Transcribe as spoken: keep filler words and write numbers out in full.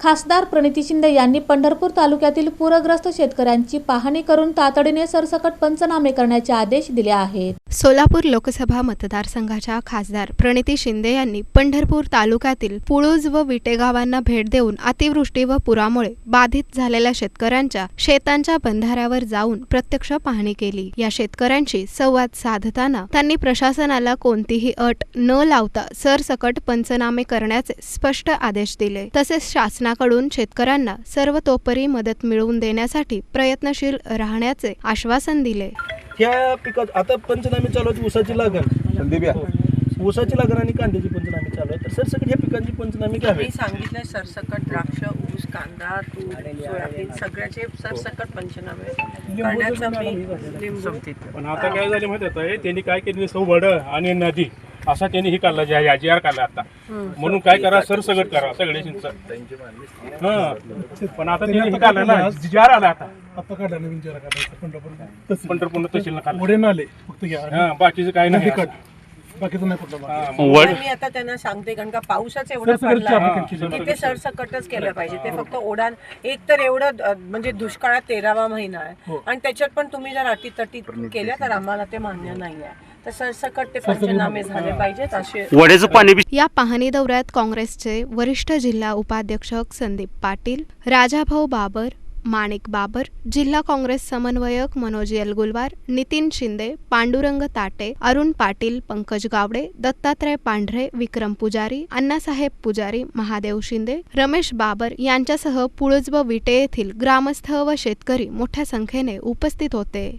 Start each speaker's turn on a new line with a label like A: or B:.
A: खासदार प्रणिती शिंदे यांनी पंढरपूर तालुक्यातील पूरग्रस्त शेतकऱ्यांची पाहणी करून तातडीने सरसकट पंचनामे करण्याचे आदेश दिले आहेत.
B: सोलापूर लोकसभा मतदारसंघाच्या खासदार प्रणिती शिंदे यांनी पंढरपूर तालुक्यातील पुळूज व विटे गावांना भेट देऊन अतिवृष्टी व पुरामुळे बाधित झालेल्या शेतकऱ्यांच्या शेतांच्या बंधाऱ्यावर जाऊन प्रत्यक्ष पाहणी केली. या शेतकऱ्यांशी संवाद साधताना त्यांनी प्रशासनाला कोणतीही अट न लावता सरसकट पंचनामे करण्याचे स्पष्ट आदेश दिले. तसेच शासनाकडून शेतकऱ्यांना सर्वतोपरी मदत मिळवून देण्यासाठी प्रयत्नशील राहण्याचे आश्वासन दिले.
C: ह्या पिकात आता पंचनामे चालू आहेत. ऊसाची लागण ऊसाची लागण आणि कांद्याची पंचनामे चालू आहेत. तर सरसकट ह्या पिकांची पंचनामे घ्यावे.
D: मी सांगितलंय सरसकट द्राक्ष, ऊस, कांदा, तूर, सोयाबीन सगळ्याचे सरसकट पंचनामे करण्याचा मी लिंबू.
E: पण आता काय झाले माहिती आहे, त्यांनी काय केली, सौबड आणि नदी असा त्यांनी ही काढला, ज्या जी आर काढला आता. म्हणून काय करा, सरसकट करा सगळे चिंच. हा पण आता त्यांनी हे काढलं ना, जी आर आला आता
F: आता काढला नवीन जरा काढायचा
E: पंढरपूर तहसीलला काढला.
F: पुढे नाले फक्त घ्या.
E: हा बाकीचं काय नाही.
F: बाकीचं नाही कुठलं.
D: मी आता त्यांना सांगते, कारण का पावसाच एवढं पडला की ते सरसकटच केलं पाहिजे. ते फक्त ओढा एक तर एवढं अ, म्हणजे दुष्काळात तेरावा महिना आहे आणि त्याच्यात पण तुम्ही जर अटीतटी केल्या तर आम्हाला ते मान्य नाही आहे. तर सरसकट ते पंचनामे झाले पाहिजेत असे.
B: या पाहणी दौऱ्यात काँग्रेसचे वरिष्ठ जिल्हा उपाध्यक्ष संदीप पाटील, राजाभाऊ बाबर, माणिक बाबर, जिल्हा काँग्रेस समन्वयक मनोज येलगुलवार, नितीन शिंदे, पांडुरंग ताटे, अरुण पाटील, पंकज गावडे, दत्तात्रय पांढरे, विक्रम पुजारी, अण्णासाहेब पुजारी, महादेव शिंदे, रमेश बाबर यांच्यासह पुळज व विटे येथील ग्रामस्थ व शेतकरी मोठ्या संख्येने उपस्थित होते.